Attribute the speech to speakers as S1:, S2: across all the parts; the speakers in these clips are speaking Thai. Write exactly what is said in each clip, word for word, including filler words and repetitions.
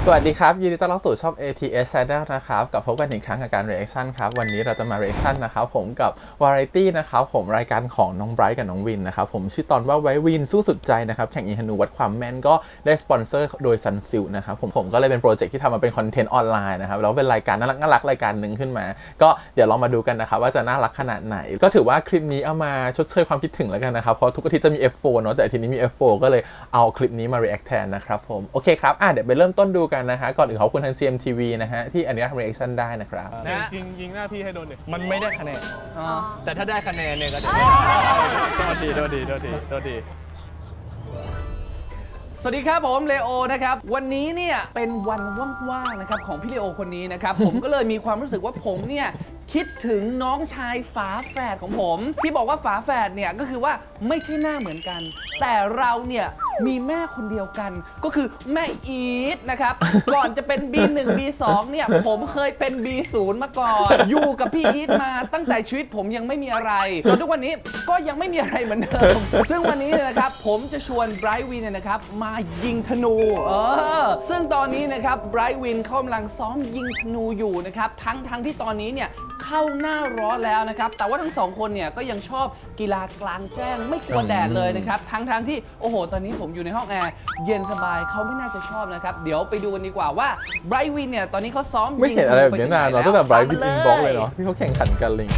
S1: วัสดีครับยินดีต้อนรับสู่ช่อง เอ ที เอส Channel นะครับกับพบกันอีกครั้งกับการ reaction ครับวันนี้เราจะมา reaction นะครับผมกับ Variety นะครับผมรายการของน้องไบรท์กับน้องวินนะครับผมชื่อตอนว่าไว้วินสู้สุดใจนะครับแข่งยิงธนูวัดความแม่นก็ได้สปอนเซอร์โดย Sunsilk นะครับผมผมก็เลยเป็นโปรเจกต์ที่ทำมาเป็นคอนเทนต์ออนไลน์นะครับแล้วเป็นรายการน่ารักน่ารักรายการหนึ่งขึ้นมาก็เดี๋ยวเรามาดูกันนะครับว่าจะน่ารักขนาดไหนก็ถือว่าคลิปนี้เอามาชดเชยความคิดถึงแล้วกันนะครับเพราะทุกอาทิตย์จะมี เอฟ โฟร์ เนาะแต่อาทิตย์นี้มี เอฟ โฟร์ ก็เลยเอาคลิปนี้มา react แทนนะครับผมโอเคครับอ่ะเดี๋ยวไปเริ่มต้นดูกันนะฮะก่อนอื่นขอบคุณทาง ซี เอ็ม ที วี นะฮะที่อันนี้ทำ reaction ได้นะครับ
S2: นะจริงยิงหน้าพี่ให้โดนหนึ่ง
S3: มันไม่ได้คะแนน
S2: แต่ถ้าได้คะแนนเนี่ยก็จะโดนดีโดนดีโดนดีโดนดี
S3: สวัสดีครับผมเลโอนะครับวันนี้เนี่ยเป็นวันว่างๆนะครับของพี่เลโอคนนี้นะครับ ผมก็เลยมีความรู้สึกว่าผมเนี่ยคิดถึงน้องชายฝาแฝดของผมที่บอกว่าฝาแฝดเนี่ยก็คือว่าไม่ใช่หน้าเหมือนกัน แต่เราเนี่ยมีแม่คนเดียวกันก็คือแม่อีทนะครับ ก่อนจะเป็น บี หนึ่ง บี สอง เนี่ยผมเคยเป็น บี ศูนย์ มาก่อน อยู่กับพี่อีทมาตั้งแต่ชีวิตผมยังไม่มีอะไรจนทุกวันนี้ก็ยังไม่มีอะไรเหมือนเดิม ซึ่งวันนี้เนี่ยนะครับผมจะชวนไบรท์วินเนี่ยนะครับมายิงธนูเออซึ่งตอนนี้นะครับไบรท์วินเขากำลังซ้อมยิงธนูอยู่นะครับทั้งทั้งที่ตอนนี้เนี่ยเข้าหน้าร้อนแล้วนะครับแต่ว่าทั้งสองคนเนี่ยก็ยังชอบกีฬากลางแจ้งไม่กลัวแดดเลยนะครับทั้งทั้งที่โอ้โหตอนนี้ผมอยู่ในห้องแอร์เย็นสบายเขาไม่น่าจะชอบนะครับเดี๋ยวไปดูกันดีกว่าว่าไบรท์วินเนี่ยตอนนี้เขาซ้อม
S1: ไม่เห็นอะไรแบบนี้นานเราตั้งแต่ไบรท์วินอินบ็อกเลยเนาะที่เขาแข่งขันกันเลย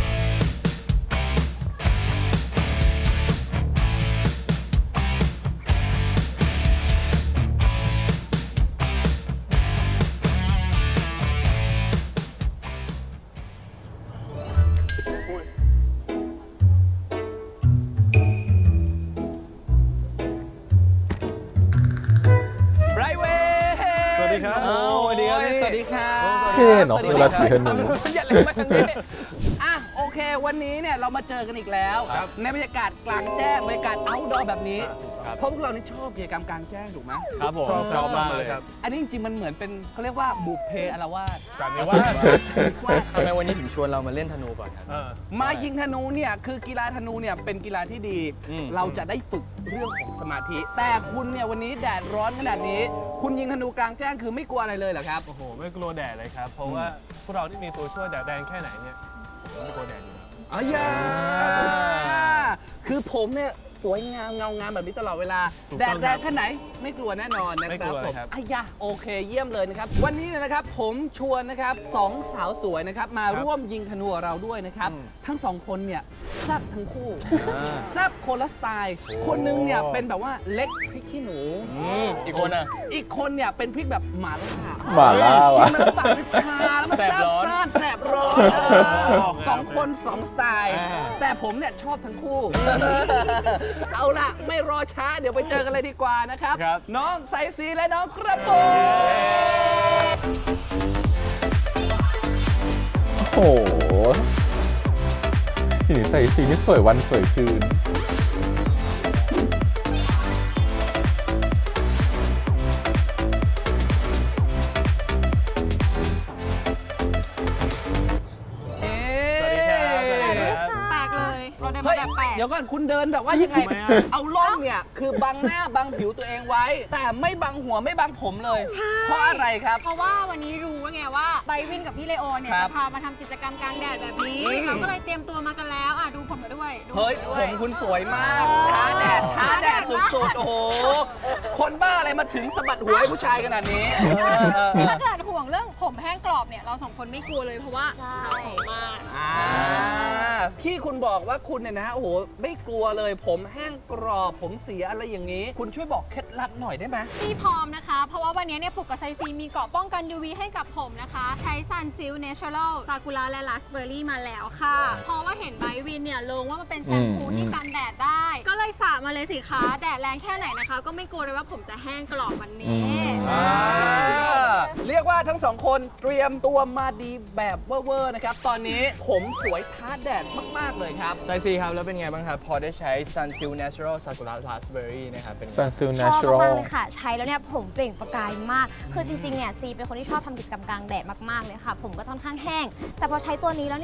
S3: ไบรท์วิน
S2: สวัสดีครับ
S3: โอ้สวัสดีครับสวัสดีครับ
S1: เท่เนาะเวลาถือธนู
S3: อย่าเล่นมาทางนี้อ่ะโอเควันนี้เนี่ยเรามาเจอกันอีกแล้ว ในบรรยากาศกลางแจ้งบรรยากาศ outdoor แบบนี้เพราะพวกเรานี่ชอบกิจกรรมกลางแจ้งถูกไหม
S2: ครับผม
S3: ชอบ
S2: ชอบมากเลยครับ
S3: อันนี้จริงๆมันเหมือนเป็นเขาเรียกว่าบุพเพอารวาส
S2: จากนี้ว่า
S4: ทำไมวันนี้ถึงชวนเรามาเล่นธนูก่อนครับ
S3: มายิงธนูเนี่ยคือกีฬาธนูเนี่ยเป็นกีฬาที่ดี
S4: อืม
S3: เราจะได้ฝึกเรื่องของสมาธิ แต่คุณเนี่ยวันนี้แดดร้อนขนาดนี้ คุณยิงธนูกลางแจ้งคือไม่กลัวอะไรเลยเหรอครับ
S2: โอ้โหไม่กลัวแดดเลยครับ เพราะว่าพวกเราที่มีตัวช่วยแดดแดงแค่ไหนเนี่ยผมไม่กลัวแดดอยู่แล้ว
S3: อ๋อยาคือผมเนี่ยสวยงามเงางามแบบนี้ตลอดเวลา
S2: ถูก
S3: แด
S2: ต้
S3: ด
S2: อง
S3: แร
S2: ครั
S3: ง
S2: บ
S3: แค่ไหนไม่กลัวแน่นอนนะ
S2: ไม่
S3: ค
S2: ก
S3: รับ
S2: ลัว
S3: ผม
S2: ครับ
S3: อายะโอเคเยี่ยมเลยนะครับ วันนี้เนี่ยนะครับผมชวนนะครับสองสาวสวยนะครับมาร่วมยิงธนูกับเราด้วยนะครับ ทั้งสองคนเนี่ยแซ่บทั้งคู่แซ่บคนละสไตล์ คนนึงเนี่ยเป็นแบบว่าเล็กพริกขี้หนู
S4: อีกคนอ่ะ
S3: อีกคนเนี่ยเป็นพริกแบบหม่าล่า
S1: หม่าล่าวะ
S3: กินมันปากมันชาแล้วมัน
S4: แสบร้อน
S3: ซ่านแสบร้อนเออสองคนสองสไตล์ แต่ผมเนี่ยชอบทั้งคู่ เอาล่ะ ไม่รอช้าเดี๋ยวไปเจอกันเลยดีกว่านะครับ
S4: ครับ
S3: น้องไซซีและน้องกระโปรง
S1: โอ้โหหินใส่สีนี่สวยวันสวยคืน
S3: เอ๊ะ
S2: สวัสดีครับสวัสดีครับ
S5: แปลกเลย เราเดิน
S3: เฮ้
S5: มาย แบบแปลก
S3: เดี๋ยวก่อนคุณเดินแบบว่ายังไง
S2: ทำไมอะ
S3: เอาล่องเนี่ย คือบังหน้าบังผิวตัวเองไว้ แต่ไม่บังหัวไม่บังผมเลย เพราะอะไรครับ
S5: เพราะว่าวันนี้รู้ว่าไงว่าไบวินกับพี่เลโอเนี่ย
S3: ครับ
S5: จะพามาทำกิจกรรมกลางแดดแบบนี้
S3: อืม
S5: เราก็เลยเตรียมตัวมากันแล้วอ่ะดูผมมาด้วยดู
S3: เฮ้ย
S5: ด้ว
S3: ผมคุณสวยมากท้าแดดท้าแดดสุดๆ โอ้โห คนบ้าอะไรมาถึงสะบัดหัวให้ผู้ชายขนาดนี้เออเออเออ
S5: ถ้าเกิดห่วงเรื่องผมแห้งกรอบเนี่ยเราสองคนไม่กลัวเลยเพราะว่าเราหอมมาก
S3: อ่าที่คุณบอกว่าคุณเนี่ยนะ โอ้โห ไม่กลัวเลย ผมแห้งกรอบ ผมเสียอะไรอย่างนี้ คุณช่วยบอกเคล็ดลับหน่อยได้ไหม
S5: พี่พร้อมนะคะ เพราะว่าวันนี้เนี่ยผูกกับไซซีมีเกราะป้องกัน ยู วี ให้กับผมนะคะ ใช้ Sunsilk Natural ซากุระและราสเบอร์รี่มาแล้วค่ะ เพราะว่าเห็นไบวินเนี่ยลงว่ามันเป็นแชมพู
S1: อืม
S5: ที่กันแดดได้ ก็เลยสระมาเลยสิคะแดดแรงแค่ไหนนะคะ ก็ไม่กลัวเลยว่าผมจะแห้งกรอบวันนี้
S3: อ่าเรียกว่าทั้งสองคนเตรียมตัวมาดีแบบเวอร์ๆนะครับ ตอนนี้ผมสวยท้าแดดมาก ๆ เลยครับ
S4: ไซซีครับ แล้วเป็นไงบ้างครับ พอได้ใช้ Sunsilk Natural Sakura Raspberry นะครับ เป็นไง
S1: Sunsilk
S6: ชอบ
S1: Natural
S6: มากๆเลยค่ะ ใช้แล้วเนี่ยผมเปล่งประกายมาก คือจริงๆ เนี่ยซีเป็นคนที่ชอบทำกิจกรรมกลางแดดมากๆ เลยค่ะ ผมก็ค่อนข้างแห้ง แต่พอใช้ตัวนี้แล้วเนี่ย ผ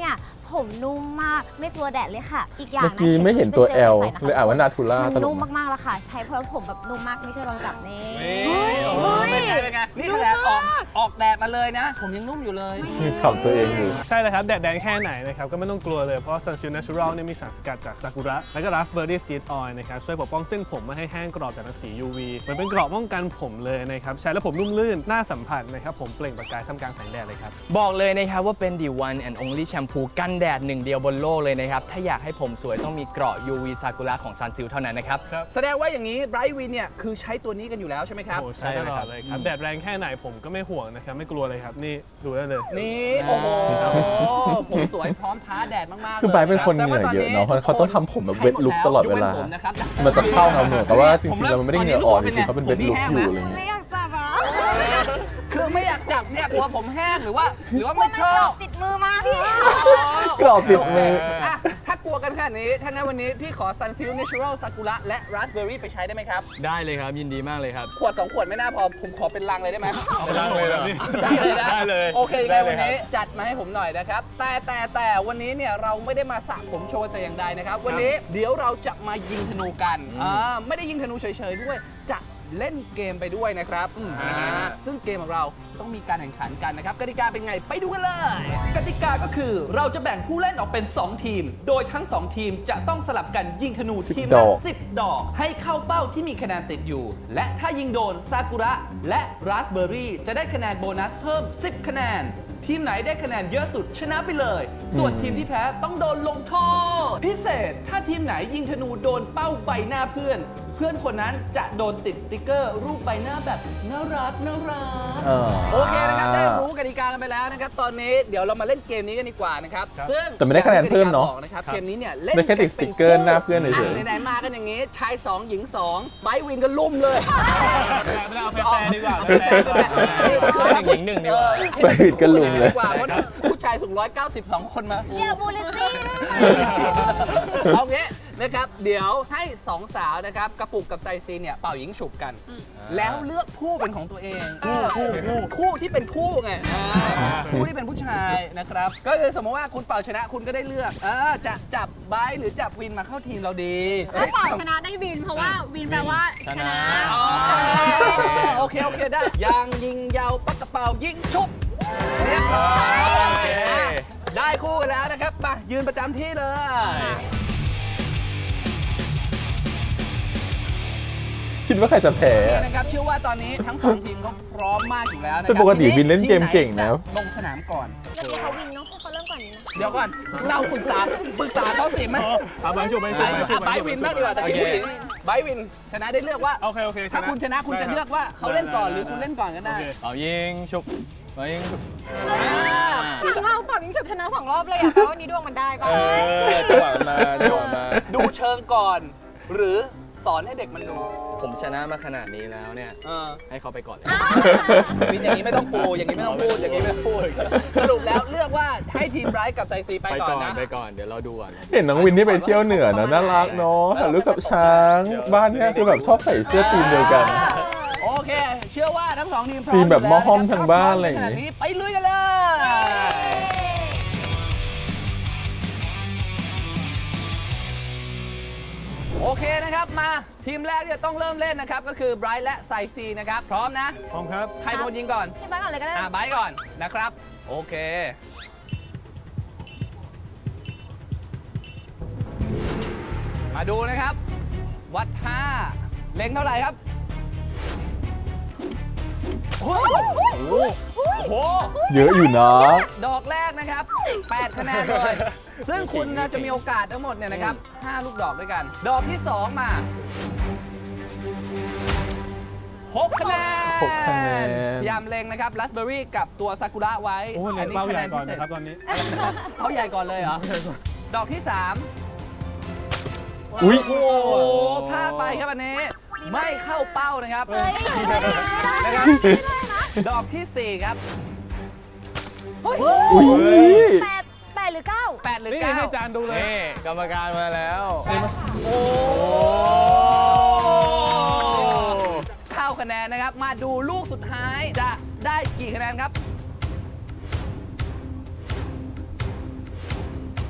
S6: ผมนุ่มมากไม่กลัวแดดเลยค่ะ อีกอย่าง
S1: เมื่อ
S6: นะ
S1: กี้ไม่เห็นตัว
S6: ป็
S1: L
S6: จใส่ะคะ
S1: เลยอ่านว่านาทูล่า
S6: มัน
S1: ตล
S6: นุ่
S1: ก
S6: ม
S1: มาก
S6: มากๆแล้วค่ะ ใช้เพราะผมแบบนุ่มมากไม่ช่วยลองจับนี่
S3: เฮ้ยโอ้โห
S6: เฮ้ย
S3: เป็นไงเป็นไงนี่ขนาดออกออกแดดมาเลยนะ ผมยังนุ่มอยู่เลย
S1: มีขำตัวเองอยู่
S2: ใช่เลยครับ แดดแดงแค่ไหนนะครับ ก็ไม่ต้องกลัวเลย เพราะ Sunsilk Natural เนี่ยมีสารสกัดจากซากุระ และก็ Raspberry Seed Oil นะครับ ช่วยปกป้องเส้นผมไม่ให้แห้งกรอบจากรังสี ยู วี เหมือนเป็นเกราะป้องกันผมเลยนะครับ ใช้แล้วผมนุ่มลื่น น่าสัมผัสนะครับ ผมเปล่งประกายท่ามกลางแสงแดดเลยครับ
S4: บอกเลยนะครับว่าเป็น the one and only แชมพูกันแดดหนึ่งเดียวบนโลกเลยนะครับ ถ้าอยากให้ผมสวยต้องมีเกราะ ยู วี ซากุระของ Sunsilk เท่านั้นนะครับ
S3: แสดงว่าอย่างนี้ไบรท์วินเนี่ยคือใช้ตัวนี้กันอยู่แล้วใช่ไหมครับ
S2: โอ้ใช่ตลอดเลยครับ แดดแรงแค่ไหนผมก็ไม่ห่วงนะครับ ไม่กลัวเลยครับ นี่ดูได้เลย
S3: นี่ โอ้โห ผมสวยพร้อมท้าแดดมากๆ
S1: คือไบรท์เป็นคนเหงื่อเยอะเนาะเพราะเขาต้องทำผมแบบเวทลุคตลอดเวลา มันจะเข้าเราเหมือนกับว่าจริงๆแล้วมันไม่ได้เหงื่ออ่อนจริงๆเขาเป็นเวทลุคอยู่อะไรอย่าง
S5: ไม่
S1: เงี้ย
S5: อยากจับอ่ะ
S3: คือไม่อยากจับเนี่ยกลัวผมแห้งหรือว่า หรือว่า
S6: มั
S3: ไม่
S6: น
S3: ชอบ
S6: ติดมือมาพี่
S1: กรอบติดมือ
S3: อ่ะถ้ากลัวกันขนาดนี้ ถ้างั้นวันนี้พี่ขอ Sunsilk Natural Sakura และ Raspberry ไปใช้ได้ไหมครับ
S4: ได้เลยครับยินดีมากเลยครับ
S3: ขวดสองขวดไม่น่าพอ ผมขอเป็นลังเลยได้ไหม
S2: เป็นลังเลยเหรอพี่
S3: ได้เลยนะ
S2: ได้เลย
S3: โอเค
S2: ได้
S3: งั้น
S2: เล
S3: วั
S2: ย
S3: น
S2: ครับ
S3: นี้จัดมาให้ผมหน่อยนะครับ แต่แต่แต่วันนี้เนี่ยเราไม่ได้มาสระผมโชว์แต่อย่างใดนะครับ วันนี้เดี๋ยวเราจะมายิงธนูกันอ่าไม่ได้ยิงธนูเฉยๆด้วย จะเล่นเกมไปด้วยนะครับอ่าซึ่งเกมของเราต้องมีการแข่งขันกันนะครับกติกาเป็นไงไปดูกันเลย กติกาก็คือเราจะแบ่งผู้เล่นออกเป็น สอง ทีม โดยทั้ง สอง ทีมจะต้องสลับกันยิงธนู
S1: สิบ
S3: ทีม
S1: ด
S3: ละ
S1: อก
S3: สิบ ดอก ให้เข้าเป้าที่มีคะแนนติดอยู่ และถ้ายิงโดนซากุระและราสเบอร์รี่จะได้คะแนนโบนัสเพิ่ม สิบ คะแนน ทีมไหนได้คะแนนเยอะสุดชนะไปเลย ส่วนทีมที่แพ้ต้องโดนลงโทษ พิเศษถ้าทีมไหนยิงธนูโดนเป้าใบหน้าเพื่อน เพื่อนคนนั้นจะโดนติดสติกเกอร์รูปใบหน้าแบบน่ารักน่ารัก
S1: เออ
S3: โอเคนะครับได้รู้กติกากันไปแล้วนะครับ ตอนนี้เดี๋ยวเรามาเล่นเกมนี้กันดีกว่านะครับ ซึ่ง
S1: แต่ไม่ได้คะแนนเพิ่มเนอะ
S3: กนะครับเกมนี้เนี่ยเล่น
S1: ได้แค่ติดสติ๊กเกอร์หน้าเพื่อนเฉยๆ
S3: ะไหนๆมากันอย่างงี้ชายสองหญิงสองไบร์ทวินก็ลุ่มเลย
S2: ไม่ได้เอาแฟร์ๆดีกว่า
S3: แฟร์ๆ
S2: แฟร์ๆ
S4: ชายหญิงหนึ่งดีกว่า
S3: เออ
S1: ไปผิดกันลุมเลย
S3: กว่าเพราะผู้ชายสูงร้อยเก้าสิบสองคนมา
S6: เดี๋ยวบูลลิตี้
S3: เอางี้นะครับ เดี๋ยวให้สองสาวนะครับกระปุกกับไซซีเนี่ยเป่ายิงฉุบกัน แล้วเลือกคู่เป็นของตัวเองคู่คู่คู่คู่ที่เป็นคู่ไงอ่าคู่ที่เป็นผู้ชายนะครับ ก็คือสมมติว่าคุณเป่าชนะคุณก็ได้เลือกเออจะจับไบร์ทหรือจับวินมาเข้าทีมเราดี
S5: ถ้าเป่าชนะได้วิน เพราะว่าวินแปลว่าชนะ
S3: อ๋อโอเค โอเค ได้ยางยิงยาวปักกระเป๋ายิงชุบเรียบร้อย
S4: โอเค
S3: ได้คู่กันแล้วนะครับมายืนประจำที่เลย
S1: คิดว่าใครจะแพ้
S3: นี่
S1: อะ
S3: นะครับเชื่อว่าตอนนี้ทั้งสองทีมเขาพร้อมมากอยู่แล้วนะครั
S1: แต่ปกติวินเล่นเกมเก่งนะ
S3: ทีมไหจลงสนามก่อน
S6: เดี๋ยวเขาวินเนาะให้เขาเริ่มก่อนนี้นะ
S3: เดี๋ยวก่อน เราปรึกษาปรึกษาเขาสิไหม
S2: เอาไปชุบไป
S3: ไบ
S2: ชุบไปชุบ
S3: ไบวินบ้างดีกว่าแต่กี้ผู้หญิงไบวินชนะได้เลือกว่า
S2: โอเคโอเค
S3: ถ้าคุณชนะคุณจะเลือกว่าเขาเล่นก่อนหรือคุณเล่นก่อนก็ได้
S4: เอายิงชุบเอายิงชุบ
S5: ทั้งเราเป่ายิงฉุบชนะสองรอบเลยอ่ะแต่ว่าวันนี้ดวงมันได้ป่ะ
S4: เออจังหวะมันมาจังหวะมา
S3: ดูเชิงก่อน หรือสอนให้เด็กมันดู
S4: ผมชนะมาขนาดนี้แล้วเนี่ย
S3: เออ
S4: ให้เขาไปก่อนเลย
S3: วินอย่างนี้ไม่ต้องปูอย่างนี้ไม่ต้องพูดอย่างนี้ไม่ต้องพูดสรุปแล้วเลือกว่าให้ทีมไบรท์กับไซซีไป
S4: ไป
S3: ก่อ
S4: ก่
S3: น
S4: อน
S3: นะ
S4: ไปก่อนเดี๋ยวเราดูก่อน
S1: เห็นน้องวินที่ไปเที่ยวเหนือนะน่ารักเนาะถ่ายรูปกับช้างบ้านเนี้ยคือแบบชอบใส่เสื้อทีมเดียวกัน
S3: โอเค เชื่อว่าทั้งสองทีมพร้อม
S1: ทีมแบบ
S3: ยู่
S1: หม้อ
S3: ล้ว
S1: ห้อมทั้งบ้านอะไรอย่างงี้
S3: นี้ไปลุยกันเลยโอเคนะครับมาทีมแรกที่จะต้องเริ่มเล่นนะครับก็คือไบรท์และไซซีนะครับพร้อมนะ
S2: พร้อมครับ
S3: ใครเป็นคนยิงก่อน
S6: ให้บ้านก่อนเลยก็ได้
S3: อ่าไบรท์ก่อนนะครับ โอเค มาดูนะครับ วัดท่าเล็งเท่าไหร่ครับโอ้โหโอ้โห
S1: เยอะอยู่นะ
S3: ดอกแรกนะครับ แปด คะแนนเลย ซึ่งคุณนะจะมีโอกาสทั้งหมดเนี่ยนะครับ ห้า ลูกดอกด้วยกัน ดอกที่ สอง มา หก คะแนน
S1: หกคะแนน
S3: พยายามเล็งนะครับราสเบอร์รี่กับตัวซากุระไว้
S2: โอ้เล็งเป้าใหญ่ก่อนนะครับตอนนี้
S3: เป้าใหญ่ก่อนเลยเหรอ ดอกที่ สาม
S1: อุ๊ย
S3: โอ้โหพลาดไปครับอันนี้ ไม่เข้าเป้านะครับ
S6: เฮ้ย
S3: นะครับ ดอกที่ สี่ ครับ
S1: อุ้ย
S6: แปดแปดหรือเก้า
S3: แปด หรือ
S2: นี่
S3: เก้า
S2: ให้จานดูเลย
S4: นี่กรรมการมาแล้ว
S3: โอ้เข้าคะแนนนะครับ มาดูลูกสุดท้ายจะได้กี่คะแนนครับ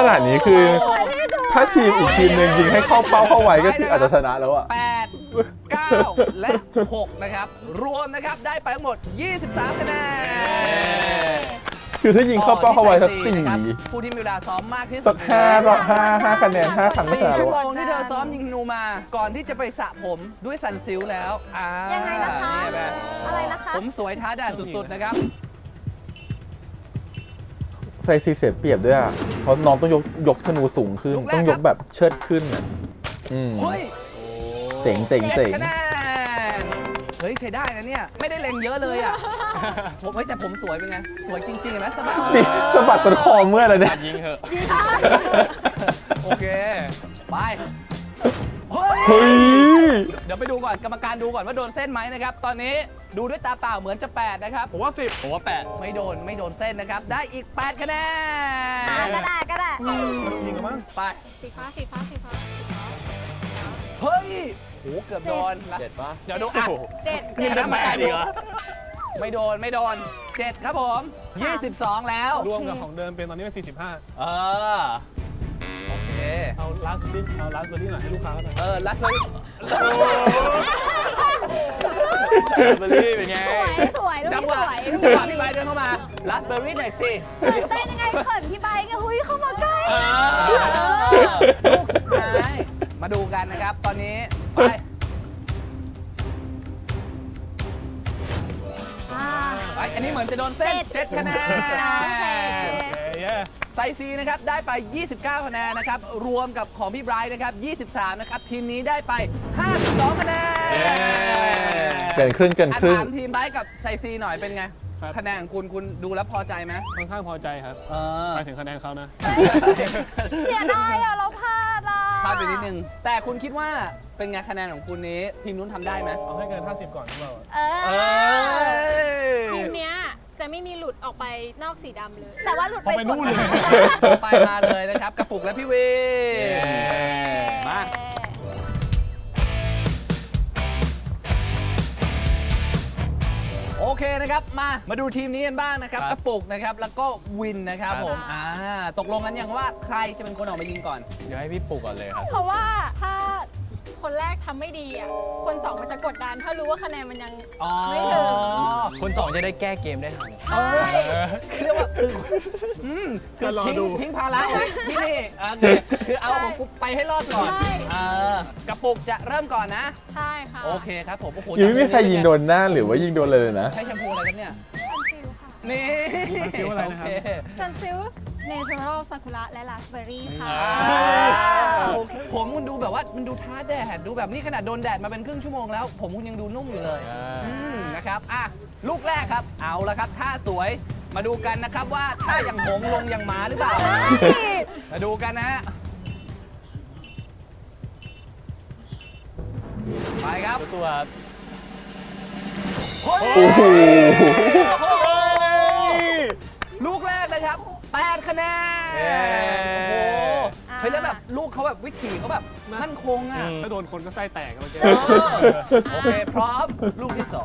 S1: นาดนี้คือถ้าทีมอีกทีมหนึ่งยิงให้เข้าเป้าเข้าไว้ก็คืออาจจะชนะแล้วอะ
S3: แปด เก้า และ หก นะครับ รวมนะครับได้ไปทั้งหมด ยี่สิบสาม คะแนน
S1: คือถ้ายิงเข้าเป้าเข้าไว้สักสี่
S3: นะครับผู้ที่มีเวลาซ้อมมากที่สุด
S1: สักห้ารอบห้าห้าคะแนนห้าครั้งก็ช
S3: สี่
S1: นะ
S3: ชั่
S1: แล้ว ว
S3: โม
S1: อะ
S3: งที่เธอซ้อมยิงธนูมา ก่อนที่จะไปสระผมด้วยซันซิลแล้วอ่า
S6: ยังไงนะคะ
S3: เนี่ยแบบ
S6: อะไรนะคะ
S3: ผมสวยท้าแดดสุดๆนะครับ
S1: ไซซีเสียเปรียบด้วยอะเพราะน้องต้องยกยกธนูสูงขึ้น
S3: ลูกแรก
S1: ต้องยกแบบเชิดขึ้นอะอืม
S3: เฮ้ย
S1: เจ๋งเจ๋งเจ๋ง
S3: จ็ดคะแนนเฮ้ยใช้ได้นะเนี่ย ไม่ได้เล็งเยอะเลยอ่ะ ผมเฮ้ยแต่ผมสวยเป็นไง สวยจริงๆเห็นไหมสบาย
S1: นี่สะบัดจนคอเมื่อยเลยเนี่ย
S4: ยิงเหอะ
S3: โอเค ไป เฮ้ย
S1: เฮ้ย
S3: เดี๋ยวไปดูก่อนกรรมการดูก่อนว่าโดนเส้นไหมนะครับ ตอนนี้ดูด้วยตาเปล่าเหมือนจะแปดนะครับ
S2: ผมว่าสิบ
S4: ผมว่าแปด
S3: ไม่โดนไม่โดนเส้นนะครับ ได้อีกแปดคะแนน
S6: อ่ะก็ได้ก็ได้
S2: ยิงกันมั้ง
S3: ไป
S5: สีฟ้าสีฟ้าสีฟ้า
S3: เฮ้ยโหเกือบโดนละ
S4: เจ็ดปะ
S3: เดี๋ยวดูอ่ะ
S5: เจ็ด
S3: นี่
S5: เจ็ด
S3: นะแปดอีกเหรอไม่โดนไม่โดนเจ็ดครับผมยี่สิบสองแล้ว
S2: รวมกับของเดิมเป็นตอนนี้เป็นสี่สิบห้า
S3: เออ โอเค
S2: เอาลาสเบอร์รี่เอาลาสเบอร์รี่หน่อยให้ลูกค้าเขาหน่อย
S3: เออ รัดเลย
S4: เบอร์รี่เป็นไง
S6: สวยสวยลูก
S3: จัง
S6: นี้
S3: หวะ
S6: สวย
S3: จังหวะพี่ไบร์ทเดินเข้ามา รัดเบอร์รี่หน่อยสิ
S6: ตื่นเต้นยังไงเขินพี่ใบไงหุ้ยเข้ามาใกล้
S3: เออลูกสุดท้าย มาดูกันนะครับ ตอนนี้ ไป
S6: อ่า
S3: ไป อันนี้เหมือนจะโดนเส้น
S6: เจ็ด
S3: เจ็ดคะแนน
S6: โอเค
S2: เย้เย้
S3: ไซซีนะครับ ได้ไป ยี่สิบเก้า คะแนนนะครับ รวมกับของพี่ไบรท์นะครับ ยี่สิบสาม นะครับ ทีมนี้ได้ไป ห้าสิบสอง คะแนน
S1: เกินครึ่งเกิน
S3: อ่ะ
S1: ครึ่ง
S3: ถามทีมไบรท์กับไซซีหน่อยเป็นไง คะแนนของคุณคุณดูแล้วพอใจไหม
S2: ค่อนข้างพอใจครับ
S3: เออ
S2: ไปถึงคะแนนเขานะ
S6: เสียดายอ่ะเราพลาดอ่ะ
S3: พลาดไปนิดนึง แต่คุณคิดว่าเป็นไงคะแนนของคุณนี้ ทีมนู้นทำได้ไหม
S2: เอาให้เกินห้าสิบก่อนหรือเปล่า
S6: เอ
S3: เอ
S6: อ
S5: ทีมเนี้ยจะไม่มีหลุดออกไปนอกสีดำเลย
S6: แต่ว่าหลุดไป
S2: เอาไปนู่นเลย
S3: ต่อไปมาเลยนะครับ กระปุกและพี่วีมา โอเคนะครับ มา มาดูทีมนี้กันบ้างนะครับ กระปุกนะครับ แล้วก็วินนะครับผม อ่า ตกลงกันยังว่าใครจะเป็นคนออกมายิงก่อน
S4: เดี๋ยวให้พี่ปลุกก่อนเลยครับ
S5: เพราะว่าถ้าคนแรกทำไม่ดีอ่ะ คนสองมันจะกดดัน ถ้ารู้ว่าคะแนนมันยัง
S3: อ๋อ
S5: ไม่ถึง
S4: คนสองจะได้แก้เกมได้ทัน
S3: เออคือเรียกว่าอืมคือ
S2: จะรอ
S3: ทิ้ง
S2: ดู
S3: ทิ้งภาระไว้ที่นี่โอเคคือเอาของกูไปให้รอดก่อน
S5: ใช่
S3: เออกระปุกจะเริ่มก่อนนะ
S5: ใช่ค่ะ
S3: โอเคครับผมโอ้โห
S1: ยังไม่มีใครยิงโดนหน้าหรือว่ายิงโดนเลยนะ
S3: ใช้แชมพูอะไรครับเนี่ย
S5: ซันซิลค่ะ
S3: นี่
S2: ซันซิลอะไรนะครับ
S3: โเค
S5: ซันซิลเนเชอรัลซากุระและราสเบอร์รี่ค่ะ
S3: อ่าโอเคผมมันดูแบบว่ามันดูท้าแดดดูแบบนี้ขนาดโดนแดดมาเป็นครึ่งชั่วโมงแล้ว ผมคุณยังดูนุ่มอยู่เลย
S4: อ่า
S3: อืมนะครับอ่ะลูกแรกครับเอาละครับท่าสวยมาดูกันนะครับว่าท่าอย่างหงส์ลงอย่างหมาหรือเปล่า มาดูกันนะฮะไปครับ
S4: ตัวครับ
S3: โอ้
S1: โอ้โห
S3: ลูกแรกนะครับแปดคะแนน
S4: เย้
S3: โอ้โหเฮ้ยแล้วแบบลูกเขาแบบวิถีเขาแบบมั่นคงอ่ะ
S2: ถ้าโดนคนก็ไส้แตกเมื่อกี้
S3: เออโอเค พร้อม ลูกที่สอง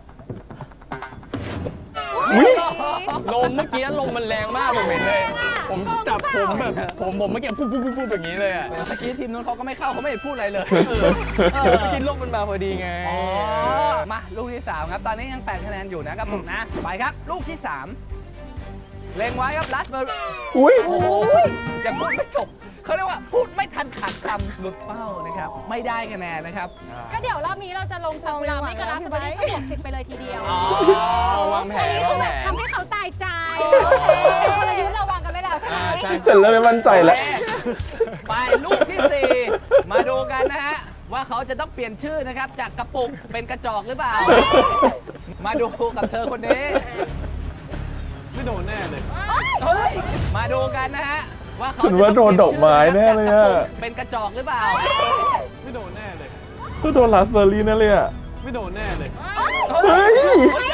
S1: อุ๊ย
S4: ลมเมื่อกี้ลมมันแรงมากผมเห็นเลย ผมจับผมแบบผมผมเมื่อกี้ปุ๊บปุ๊บปุ๊บปุ๊บอย่างนี้เลยอ่ะ
S3: เมื่อกี้ทีมนู้นเขาก็ไม่เข้าเขาไม่ได้พูดอะไรเลย
S4: เออเมื่อกี้ลมมันมาพอดีไง
S3: อ๋อ มาลูกที่สามครับ ตอนนี้ยังแปดคะแนนอยู่นะครับผมนะ ไปครับ ลูกที่สามเล็งไว้ครับลัสเบอร์
S1: อุ้ย
S3: โอ้ยยังพูดไม่จบเขาเรียกว่าพูดไม่ทันขาดคำหลุดเป้านะครับ ไม่ได้คะแนนนะครับ
S5: ก็เดี๋ยวรอบนี้เราจะลงซากุระไม่กับราสเบอร์รี่ก็บวกสิบไปเลยทีเดียว
S3: อ๋อ
S4: วางแผน
S5: อันนี้คื
S4: วา
S5: อง แบ
S4: แผ
S5: บ
S4: น
S5: ทำให้เขาตายใจ
S6: โอเค
S5: กลยุทธ์เราวางกันไว้แล้วใช่ไหม
S4: อ่าใช่
S1: เสร็จแล้วไม่มั่นใจแล้ว
S3: โอเคไปลูกที่สี่มาดูกันนะฮะ ว่าเขาจะต้องเปลี่ยนชื่อนะครับ จากกระปุกเป็นกระจอกหรือเปล่า มาดูกับเธอคนนี้
S2: ไม่โดนแน่เลย
S3: เฮ้ย มาดูกันนะฮะ ว่าเขา
S1: ฉันว่าโดนดอกไม้แน่เลยอะ
S3: จากกระปุกเป็นกระจอกหรือเปล่า
S2: ไม่โดนแน่เลย
S1: ก็โดนราสเบอร์รี่นั่นเลยอ่ะ
S2: ไม่โดนแน่เลย
S1: เฮ้ย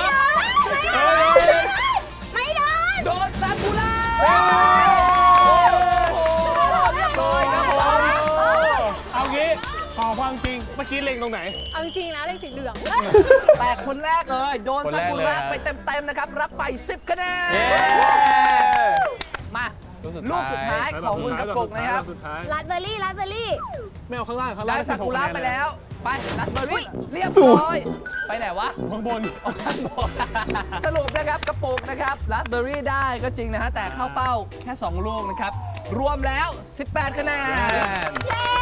S6: ไม่ได้
S3: โดนซากุระเรียบร้อยครับผม
S2: เอางี้ขอความจริง เมื่อกี้เล็งตรงไหน
S5: เอาจริงๆนะเลขสีเหลือง
S3: แต่คนแรกเลย โดน
S4: คน
S3: ซา
S4: แรก
S3: กุ
S4: เลย
S3: ระ
S4: ครับ
S3: ไปเต็มๆนะครับ รับไปสิบคะแนน
S4: เย้
S3: มา
S4: ลูสุด
S3: ลูกสุดท้ายของคุณกระปุกนะครับ
S2: สุดท้าย
S6: ราสเบอร์รี่ราสเบอร์รี่
S2: ไม่เอาข้างล่างข้าง
S3: ได้
S2: ล่าง
S3: ซากุระไปแล้ว ไปรัสเบอร์รี่เรียบ
S1: สูง
S3: ร้อย ไปไหนวะ
S2: ข้างบน
S3: เอาข้างบนสรุปนะครับกระปุกนะครับรัสเบอร์รี่ได้ก็จริงนะฮะ แต่เข้าเป้าแค่ 2 ลูกนะครับ รวมแล้ว สิบแปด คะแนน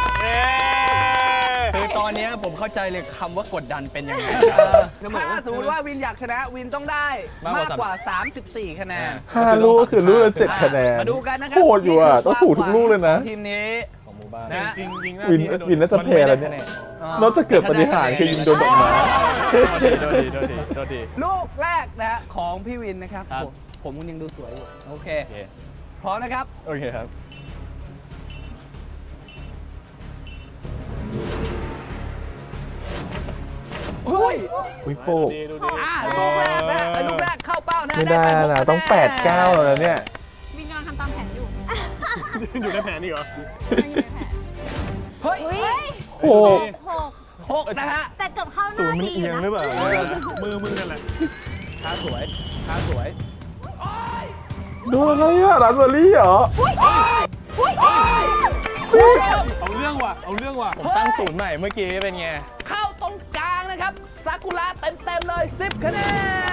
S4: คือตอนเนี้ยผมเข้าใจเลยคำว่ากดดันเป็นยังไง
S3: ถ้าสมมติว่าวินอยากชนะวินต้องได้
S4: มาม
S3: าก ก
S4: ก
S3: ก
S4: ว่า
S3: ว่า สามสิบสี่ คะแนน
S1: ห้าลูกก็คือลูกละเจ็ดคะแนน
S3: มาดูกันนะครั
S1: โหดอยู่อ่ะต้องถูกทุกลูกเลยนะ
S3: ทีมนี้
S4: ของหมู่บ้าน
S3: นะ
S2: จริงจริง
S1: วินวินน่าจะแพ้แล้วเนี่ย นอกจากเกิดปฏิหารย์คือยิงโดนดอกไม้
S4: โดนดีโดนดีโดนดี
S3: ลูกแรกนะฮะของพี่วินนะครับ
S4: ครับ
S3: ผมผมยังดูสวยอยู่ โอเค
S4: โอเค
S3: พร้อมนะครับ
S4: โอเคครับ
S3: อุ้ย
S1: อุ้ยโป๊ก
S2: ดูดี
S3: อ่าลูกแรกนะฮะเอ้ยลูกแรกเข้าเป้านะ
S1: ไม่ได้
S3: ปหก
S1: นะ
S3: คะแ
S1: ต้องแปดเก้าแล้วเนี่ย
S5: วินกำลังทำตามแผนอยู่
S2: อยู่ในแผนนี่เหรอ
S5: ไม่อยู่ในแผน
S3: เฮ้ย
S6: อุ้ย
S1: โอ้โห
S6: หก
S3: หกนะฮะ
S6: แต่เกือบเข้าห
S2: ศูน
S6: น้า
S2: ย์มัน
S6: ดี
S2: เอียง
S6: นะ
S2: หรือเปล่ามือมึงนั่นแหละ
S3: ท่าสวยท่าสวย
S1: โดนอะไรอ่ะราสเบอร์รี่เหรอซิ
S2: เอาเรื่องว่ะเอาเรื่องว่ะ
S4: ผมตั้งศูนย์ใหม่เมื่อกี้เป็นไง
S3: เข้าตรงกลางนะครับซากุระเต็มๆเลย สิบ คะแนน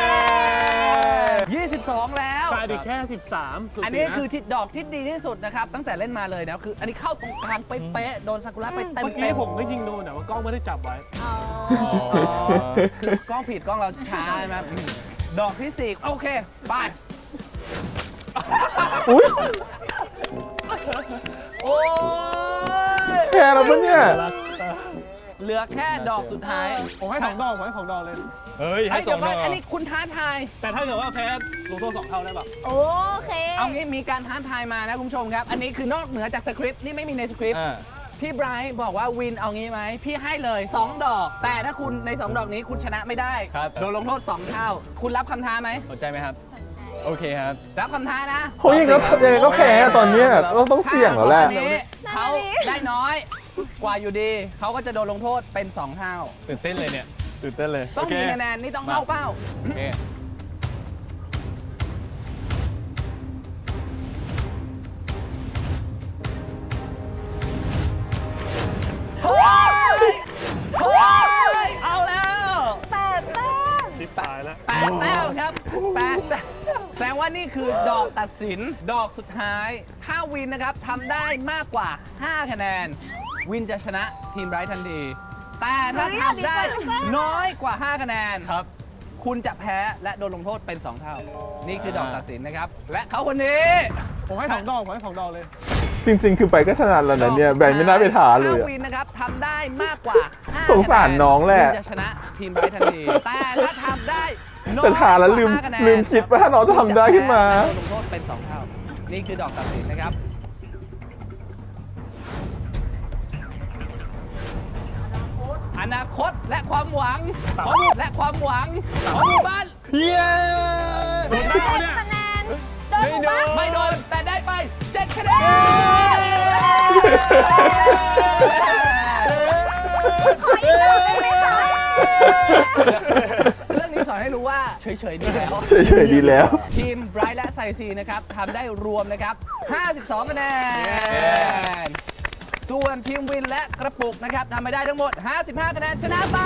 S3: ยี่สิบสอง แล้ว
S2: ขาดอีกแค่สิบสาม
S3: อันนี้คือทิศดอกที่ดีที่สุดนะครับ ตั้งแต่เล่นมาเลยนะคืออันนี้เข้าตรงกลางเป๊ะๆโดนซากุระไปเต็ม
S2: เมื่อกี้ผมก็ยิงโดนแต่ว่ากล้องไม่ได้จับไว้
S6: อ๋อ
S3: คือกล้องผิดกล้องเราช้าใช่ไหมอืมดอกที่สี่โอเคไป
S1: อุ้ย
S3: โอ้ย
S1: แพ้แล้วปะเนี่ย
S3: เหลือแค่ดอกสุดท้าย
S2: ผมให้สองดอกผมให้สองดอกเลย
S4: เฮ้ย
S3: ไอ้
S4: ให้
S3: ย
S4: ส
S3: เดี๋
S4: อย ง
S3: ว
S4: ด
S3: ก่อ
S4: อน ก
S3: อันนี้คุณท้าทาย
S2: แต่ถ้าเกิดว่าแพ้ลงโทษสองเท่าได้ป่ะ
S6: โอเค
S3: เอางี้มีการท้าทายมานะคุณผู้ชมครับ อันนี้คือนอกเหนือจากสคริปต์นี่ไม่มีในสคริปต์
S4: อ่า
S3: พี่ไบรท์บอกว่าวินเอางี้ไหมพี่ให้เลยสองดอก แต่ถ้าคุณในสองดอกนี้คุณชนะไม่ได้
S4: ครับ
S3: โดนลงโทษสองเท่า คุณรับคำท้าไหม
S4: สนใจไหมครับ โอเคครับ
S3: รับคำท้านะ
S1: เขายังก็ยังไงก็แพ้อะตอนเนี้ยต้องต้องเสี่ยงแล้วแหละ
S3: ถ้าสองอันนี้เขาได้น้อยกว่าอยู่ดี เขาก็จะโดนลงโทษเป็นสองเท่า
S4: ตื่นเต้นเลยเนี่ย ตื่นเต้นเลย
S3: ต้อง
S4: โเค
S3: มีคะแนนนี่ต้องเข้าเป้า
S4: โอเค
S3: เฮ้ยเฮ้ยเอาแล้ว
S6: แปดแต้ม
S2: ติดตายแล้ว
S3: แปดแต้มครับแปดแต้มแสดงว่านี่คือดอกตัดสิน ดอกสุดท้าย ถ้าวินนะครับทำได้มากกว่า ห้า คะแนน วินจะชนะทีมไบรท์ทันที แต่ถ้าทำได้น้อยกว่า ห้า คะแนน
S4: ครับ
S3: คุณจะแพ้และโดนลงโทษเป็น สอง เท่า นี่คือดอกตัดสินนะครับ และเขาคนนี้
S2: ผมให้สองดอกผมให้สองดอกเลย
S1: จริง ๆ คือไปก็ชนะแล้วนะเนี่ยแบนไม่น่าไปท้าเลย
S3: ถ้า
S1: อะ
S3: วินนะครับทำได้มากกว่าห้า
S1: สงสารน้องแหละ
S3: วินจะชนะทีมไบรท์ทันที แต่ถ้าทำได้น้อย
S1: แต่ท้าแล้วลืม
S3: กว่าห้าคะแนน
S1: ลืมคิดว่าถ้าน้องจะทำได้ขึ้นมา
S3: โดนลงโทษเป็น สอง เท่า นี่คือดอกตัดสินนะครับ อนาคตและความหวังของหมู่และความหวังของหมู่บ้าน
S4: เย้
S2: โดนได้เนี่ย
S6: คะแนนโดนหมู่บ้าน
S3: ไม่โดนแต่ได้ไปเจ็ดคะแนน
S6: ขออีกรอบได้ไหมคะ
S3: เรื่องนี้สอนให้รู้ว่าเฉยๆดีแล้ว
S1: เฉยๆดีแล้ว
S3: ทีมไบรท์และไซซีนะครับทำได้รวมนะครับ ห้าสิบสอง คะแนน ส่วนทีมวินและกระปุกนะครับทำไปได้ทั้งหมด ห้าสิบห้า คะแนนชนะไป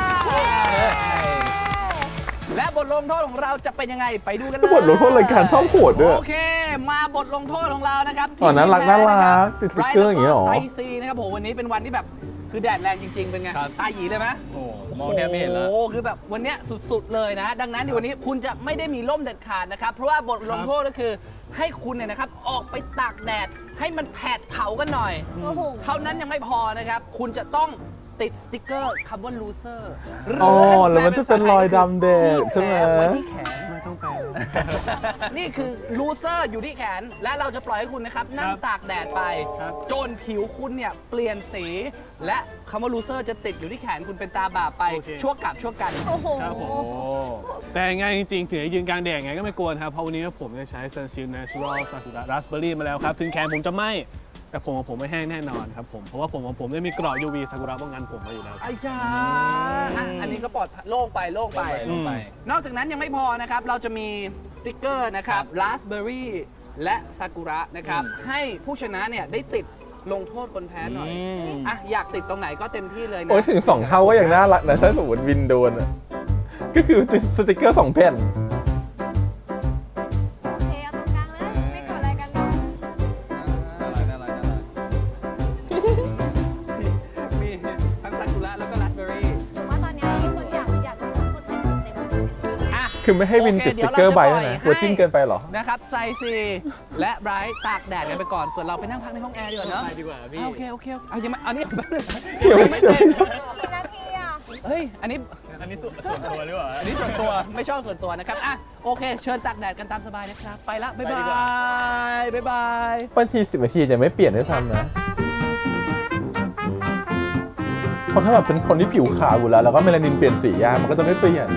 S3: และบทลงโทษของเราจะเป็นยังไงไปดูกันเลย
S1: บทลงโทษรายการชอบโหดด้วย
S3: โอเค มาบทลงโทษของเรานะครับ
S1: อ๋อน่ารัก
S3: ทีมแพ้ะคบ
S1: น่ารักติดสติ๊กเกอร์อย่างเงี้ยเหรอ
S3: ไบท์แล้วก็ไซซีนะครับโหวันนี้เป็นวันที่แบบคือแดดแรงจริง ๆ เป็นไง
S4: ครับ
S3: ตาหยีเลยไหม
S4: โอ้มองแทบไม่เห็นแล้ว
S3: โอ้โหคือแบบวันเนี้ยสุด ๆ เลยนะ ดังนั้นในวันนี้คุณจะไม่ได้มีร่มเด็ดขาดนะครับ เพราะว่าบทลงโทษก็คือให้คุณเนี่ยนะครับออกไปตากแดดให้มันแผดเผากันหน่อย
S6: โอ้โห
S3: เท่านั้นยังไม่พอนะครับ คุณจะต้องติดสติ๊กเกอร์คำว่า loser หรื
S1: อ๋อ
S3: ให้
S1: แล้วมันจะเป็นรอยดำแดงใช่ไหม
S3: แผลไว้ที่แขน
S2: ไม่ต้องแปล
S3: นี่คือ loser อยู่ที่แขน และเราจะปล่อยให้คุณนะครับ นั่งตากแดดไป
S2: ครับ
S3: จนผิวคุณเนี่ยเปลี่ยนสี และคำว่า loser จะติดอยู่ที่แขนคุณเป็นตาบาปไป
S2: โอเค
S3: ชั่วกับชั่วกัน
S6: โอ้โห
S2: ครับผม แต่ยังไงจริงๆถึงจะยืนกลางแดดไงก็ไม่กลัวนะครับ เพราะวันนี้ผมจะใช้ Sunsilk Natural Sakura Raspberry มาแล้วครับ ถึงแขนผมจะไหม้แต่ผมของผมไม่แห้งแน่นอนครับผม เพราะว่าผมของผมได้มีเกราะ ยู วี ซากุระป้องกันผมมาอยู่แล้ว
S3: ไอ้ยาอ่ะอันนี้ก็ปลอดโล่งไปโล่งไป
S4: ลงไป
S3: นอกจากนั้นยังไม่พอนะครับ เราจะมีสติกเกอร์นะครับ Raspberry และซากุระนะครับ ให้ผู้ชนะเนี่ยได้ติดลงโทษคนแพ้หน่อยอ่ะอยากติดตรงไหนก็เต็มที่เลยนะ
S1: โอ้ยถึงสองเท่าก็ยังน่ารักนะถ้าสมมติวินโดนอะก็คือติดสติกเกอร์สองแผ่น
S5: โอเคเอาตรงกลางเลยไม่กดอะไรกันเนาะ
S3: น่ารักน่ารักน่ารักมีทั้งซากุระแล้วก็ราสเบอร์รี่
S5: ผมว่าตอนเนี้ยมีคนอยากอยากโดนลงโทษเต็มเต็ม
S3: อ่ะ
S1: คือไม่ให้วินติดสติกเกอร์ใบด้วยนะกลัวจิ้งเกินไปเหรอ
S3: นะครับไซซีและไบรท์ตากแดดกันไปก่อน ส่วนเราไปนั่งพักในห้องแอร์ดีกว่าเนอะ
S2: ไปดีกว่าพี่
S3: อ่ะโอเคโอเคเอายังไม่อันนี้
S1: เดี๋ยว
S3: ยังไม่เสร็จ
S5: กี่นาทีอ่ะ
S3: เฮ้ยอันนี้
S2: อันนี้ส่วนส่วนตัวหรือเปล่า
S3: อันนี้ส่วนตัวไม่ชอบส่วนตัวนะครับอ่ะโอเค เชิญตากแดดกันตามสบายนะครับ ไปละ บ๊ายบาย บ๊ายบาย
S1: บางทีสิบนาทียังไม่เปลี่ยนด้วยซ้ำนะเพราะถ้าแบบเป็นคนที่ผิวขาวอยู่แล้ว แล้วก็เมลานินเปลี่ยนสียากมันก็จะไม่เปลี่ยน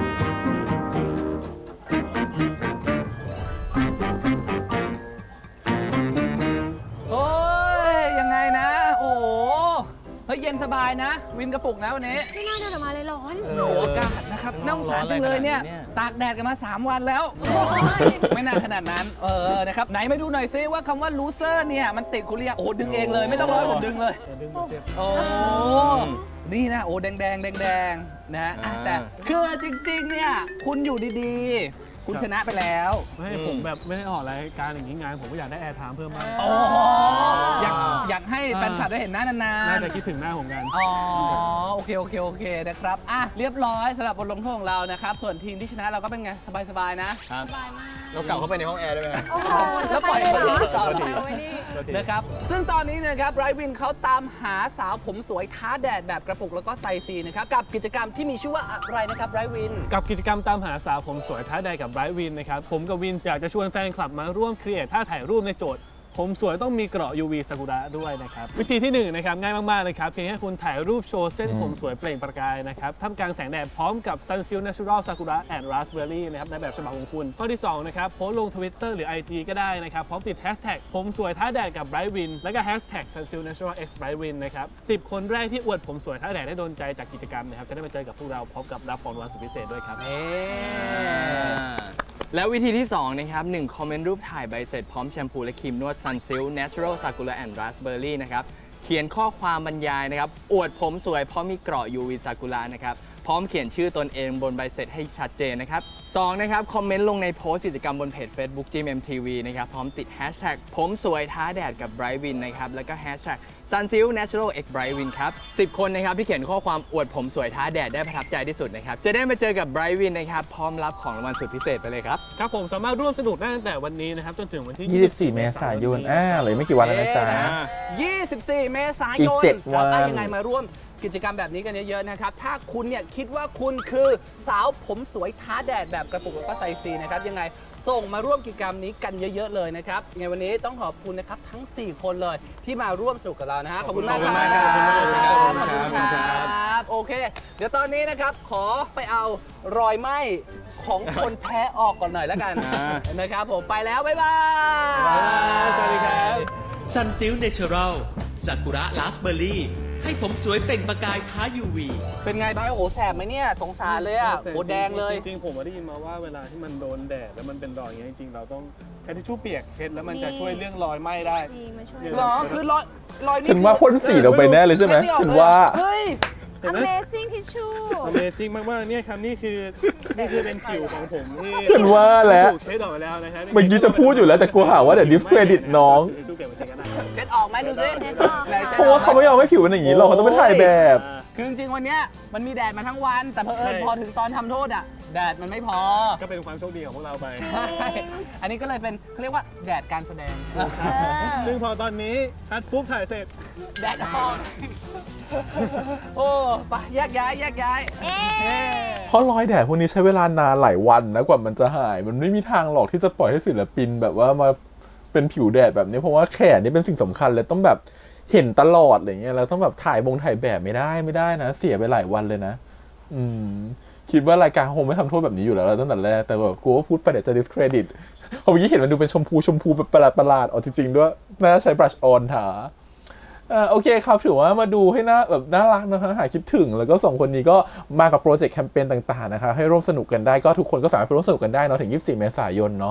S3: โอ้ย ยังไงนะ โอ้โห เฮ้ย เย็นสบายนะ วินกระปุกนะวันนี้
S5: ไม่น่าเดินออกมาเลยร้อน
S3: โอ้โหอากาศนะครับน่าสงสารจังเลยเนี่ย ตากแดดกันมา สาม วันแล้ว ไม่นานขนาดนั้น เออ นะครับ ไหนมาดูหน่อยซิว่าคำว่า loser เนี่ย มันติดคุณเรียกโอ้โหดึงเองเลย ไม่ต้องรอให้ผมดึงเลย
S2: ดึงเจ็บ
S3: โอ้ นี่นะ โอ้แดงแดงแดงแดงๆนะอ่ะแต่คือจริงๆ เนี่ย คุณอยู่ดีๆ คุณชนะไปแล้ว
S2: ไม่ให้ผมแบบไม่ได้ออกรายการอย่างนี้งานผมก็อยากได้แอร์ไทม์เพิ่มบ้าง
S3: โอ้อยากอยากให้แฟนคลับได้เห็นหน้านาน
S2: น่า
S3: ๆ
S2: จะคิดถึงหน้าผมกัน
S3: อ๋อ โอเค โอเค โอเค นะครับ อ่ะ เรียบร้อยสำหรับบทลงโทษของเรานะครับ ส่วนทีมที่ชนะเราก็เป็นไง สบาย ๆ นะ
S5: สบายมาก
S4: เรากลับเข้าไปในห้องแอร์ได้ไหม
S5: โอ้โห
S3: แล้วปล่อย
S5: จะไปเลยเหรอ
S3: ต่อ
S5: ไปไว้นี่
S3: นะครับ ซึ่งตอนนี้นะครับไรวินเขาตามหาสาวผมสวยท้าแดดแบบกระปุกแล้วก็ไซซีนะครับ กับกิจกรรมที่มีชื่อว่าอะไรนะครับไรวิน
S2: กับกิจกรรมตามหาสาวผมสวยท้าแดดกับไบรท์วินนะครับ ผมกับวินอยากจะชวนแฟนคลับมาร่วมครีเอทท่าถ่ายรูปในโจทย์ ผมสวยต้องมีเกราะ ยู วี ซากุระด้วยนะครับ วิธีที่หนึ่งนะครับง่ายมากๆเลยครับ เพียงแค่คุณถ่ายรูปโชว์เส้นผมสวยเปล่งประกายนะครับท่ามกลางแสงแดดพร้อมกับ Sunsilk Natural Sakura and Raspberry นะครับในแบบฉบับของคุณ ข้อที่สองนะครับโพสต์ลง Twitter หรือ ไอ จี ก็ได้นะครับพร้อมติด Hashtag ผมสวยท้าแดดกับ Bright Win และก็ Hashtag Sunsilk Natural x Bright Win นะครับสิบคนแรกที่อวดผมสวยท้าแดดได้โดนใจจากกิจกรรมนะครับจะได้มาเจอกับพวกเราพร้อมกับรับของรางวัลสุดพิเศษด้วยครับ
S4: แล้ววิธีที่สองนะครับหนึ่งคอมเมนต์รูปถ่ายใบเสร็จพร้อมแชมพูและครีมนวด Sunsilk Natural Sakura and Raspberry นะครับเขียนข้อความบรรยายนะครับอวดผมสวยเพราะมีเกราะ ยู วี Sakura นะครับพร้อมเขียนชื่อตนเองบนใบเสร็จให้ชัดเจนนะครับสองนะครับคอมเมนต์ลงในโพสต์กิจกรรมบนเพจ Facebook จี เอ็ม ที วี นะครับพร้อมติด Hashtag ผมสวยท้าแดดกับ Bright Win นะครับแล้วก็ Hashtag Sunsilk Natural x Bright Win ครับสิบคนนะครับที่เขียนข้อความอวดผมสวยท้าแดดได้ประทับใจที่สุดนะครับจะได้มาเจอกับ Bright Win นะครับพร้อมรับของรางวัลสุดพิเศษไปเลยครับ
S2: ครับผมสามารถร่วมสนุกได้ตั้งแต่วันนี้นะครับจนถึงวันที่
S1: ยี่สิบสี่ เมษายนอ่าเหลยไม่กี่วันแล้วนะจ๊ะ
S3: ยี่สิบสี่ เมษายน
S1: อีกเจ็ดวัน
S3: ครับอ่ะยังไงมาร่วมกิจกรรมแบบนี้กันเยอะๆนะครับ ถ้าคุณเนี่ยคิดว่าคุณคือสาวผมสวยท้าแดดแบบกระปุกแล้วก็ไซซีนะครับยังไงส่งมาร่วมกิจกรรมนี้กันเยอะๆเลยนะครับยังไงวันนี้ต้องขอบคุณนะครับทั้งสี่คนเลยที่มาร่วมสนุกกับเรานะฮะขอบคุณมากครับ
S2: ขอบคุณมากครับ
S3: ขอบคุณครับโอเค เดี๋ยวตอนนี้นะครับขอไปเอารอยไหม้ของคนแพ้ออกก่อนหน่อยแล้วกันนะครับผมไปแล้วบ๊ายบาย
S2: สวัสดีครับ
S7: Sunsilk Natural ซากุระราสเบอร์รี่ให้ผมสวยเปล่งประกายท้า ยู วี
S3: เป็นไงบ้างโอ้โหแสบไหมเนี่ยสงสารเลยอ่ะโอ้แดงเลย
S2: จริงๆผมได้ยินมาว่าเวลาที่มันโดนแดดแล้วมันเป็นรอยอย่างเงี้ยจริงๆเราต้องใช้ทิชชู่เปียกเช็ดแล้วมันจะช่วยเรื่องรอยไหม้ได้
S5: จริงมาช่วย
S3: หรอคือรอยรอยนี่
S1: ฉันว่าพ่นสีลงไปแน่เลยใช่ไหม
S3: เช็ด
S1: ฉัน
S3: ออกเลย
S1: ว่า
S3: เฮ้ย
S2: เห็นไหม
S5: Amazing Tissue
S2: Amazing มากๆเนี่ยครับนี่คือนี่คือเป็นผิวของผมที่
S1: ฉันว่าแล้ว
S2: ถูกเช็ดออกไปแล้วนะครับ
S1: เมื่อกี้จะพูดอยู่แล้วแต่กลัวหาว่าเดี๋ยว discredit น้อง
S2: ทิชชู่เปียกมาเช็ดก็ได้
S3: เช็ดออกไหมดูสิ
S5: เช็ดออก
S3: ไหนช็ด
S1: เพราะว่าเขาไม่ยอมให้ผิวเป็นอย่างนี้หรอกเขาต้องไปถ่ายแบบ
S3: คือจริงๆวันเนี้ยมันมีแดดมาทั้งวัน แต่เผอิญพอถึงตอนทำโทษอ่ะแดดมันไม่พอ
S2: ก็เป็นความโชคดีของพวกเราไป
S3: ใช่อันนี้ก็เลยเป็นเขาเรียกว่าแดดการแสดง
S2: ซึ่งพอตอนนี้คัดปุ๊บถ่ายเสร็จ
S3: แดดออกโอ้ไปแยกย้ายแยกย้าย
S5: เอ๊ะ
S3: เฮ้
S1: เพราะรอยแดดพวกนี้ใช้เวลานานหลายวันนะกว่ามันจะหาย มันไม่มีทางหรอกที่จะปล่อยให้ศิลปินแบบว่ามาเป็นผิวแดดแบบนี้เพราะว่าแขนนี่เป็นสิ่งสำคัญเลยต้องแบบเห็นตลอดอะไรเงี้ยแล้วต้องแบบถ่ายบงถ่ายแบบไม่ได้ไม่ได้นะ เสียไปหลายวันเลยนะ อืมคิดว่ารายการคงไม่ทำโทษแบบนี้อยู่แล้วตั้งแต่แรกแต่แบบกลัวว่าพูดไปเดี๋ยวจะ discredit เพราะเมื่อกี้เห็นมันดูเป็นชมพูชมพูแบบประหลาดประหลาดๆอ๋อจริงๆด้วยน่าจะใช้ brush on ถาอ่าโอเคครับถือว่ามาดูให้น่าแบบน่ารักนะคะหายคิดถึงแล้วก็สองคนนี้ก็มากับโปรเจกต์แคมเปญต่างๆนะคะให้ร่วมสนุกกันได้ก็ทุกคนก็สามารถไปร่วมสนุกกันได้เนาะถึงยี่สิบสี่ เมษายนเนาะ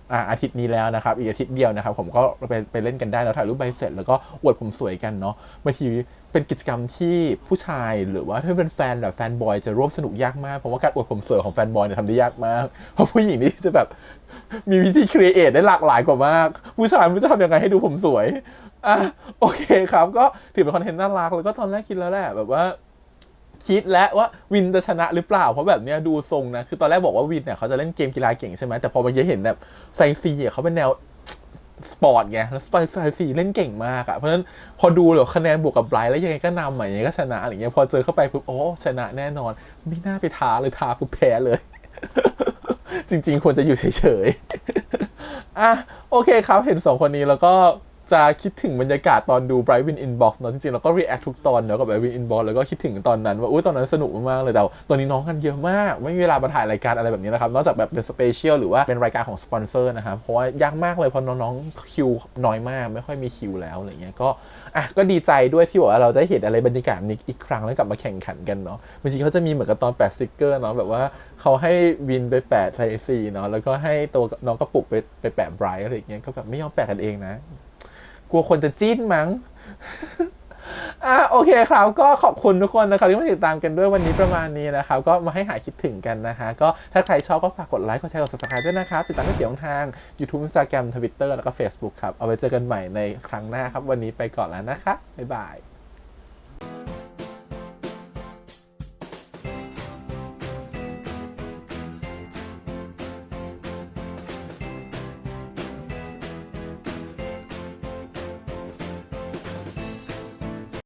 S1: อ่าอาทิตย์นี้แล้วนะครับอีกอาทิตย์เดียวนะครับผมก็ไปไปเล่นกันได้แล้วถ่ายรูปใบเสร็จแล้วก็อวดผมสวยกันเนาะบางทีเป็นกิจกรรมที่ผู้ชายหรือว่าถ้าเป็นแฟนแบบแฟนบอยจะร่วมสนุกยากมากเพราะว่าการอวดผมสวยของแฟนบอยเนี่ยทำได้ยากมากเพราะผู้หญิงนี่จะแบบมีวิธีครีเอทได้หลากหลายกว่ามากผู้ชายไม่รู้จะทำยังไงให้ดูผมสวยอ่ะโอเคครับก็ถือเป็นคอนเทนต์น่ารักแล้วก็ตอนแรกคิดแล้วแหละแบบว่าคิดแล้วว่าวินจะชนะหรือเปล่าเพราะแบบเนี้ยดูทรงนะคือตอนแรกบอกว่าวินเนี่ยเขาจะเล่นเกมกีฬาเก่งใช่ไหมแต่พอเมื่อกี้เห็นแบบไซซีอ่ะเขาเป็นแนวสปอร์ตไงแล้วไซซีเล่นเก่งมากอ่ะเพราะฉะนั้นพอดูแล้วคะแนนบวกกับไบรท์แล้วยังไงก็นำอ่ะยังไงก็ชนะอะไรเงี้ยพอเจอเข้าไปปุ๊บโอ้ชนะแน่นอนไม่น่าไปท้าเลยท้าปุ๊บแพ้เลย จริงๆควรจะอยู่เฉยๆอ่ะโอเคครับเห็นสองคนนี้แล้วก็จะคิดถึงบรรยากาศตอนดู Bright Win Inbox เนาะจริงๆเราก็ react ทุกตอนเนาะกับ Bright Win Inbox แล้วก็คิดถึงตอนนั้นว่าอุ้ยตอนนั้นสนุกมากๆเลยแต่ตอนนี้น้องกันเยอะมากไม่มีเวลามาถ่ายรายการอะไรแบบนี้นะครับนอกจากแบบเป็นสเปเชียลหรือว่าเป็นรายการของสปอนเซอร์นะครับเพราะว่ายากมากเลยเพราะน้องๆคิวน้อยมากไม่ค่อยมีคิวแล้วอะไรเงี้ยก็อ่ะก็ดีใจด้วยที่บอกว่าเราได้เห็นอะไรบรรยากาศนี้อีกครั้งแล้วกลับมาแข่งขันกันเนาะบางทีเขาจะมีเหมือนกับตอนแปะสติกเกอร์เนาะแบบว่าเขาให้วินไปแปะไซซีเนาะแล้วก็ให้ตัวน้องกระปุกไปไปแปะไบรท์อะไรเงี้ยก็แบบไม่ยอมแปะกันเองนะกลัวคนจะจิ้นมั้ง อ่ะโอเคครับก็ขอบคุณทุกคนนะครับที่มาติดตามกันด้วยวันนี้ประมาณนี้นะครับก็มาให้หายคิดถึงกันนะฮะก็ถ้าใครชอบก็ฝากกดไลค์กดแชร์กด ซับสไครบ์ ด้วยนะครับติดตามได้เสียงทาง YouTube Instagram Twitter แล้วก็ Facebook ครับเอาไว้เจอกันใหม่ในครั้งหน้าครับวันนี้ไปก่อนแล้วนะคะบ๊ายบาย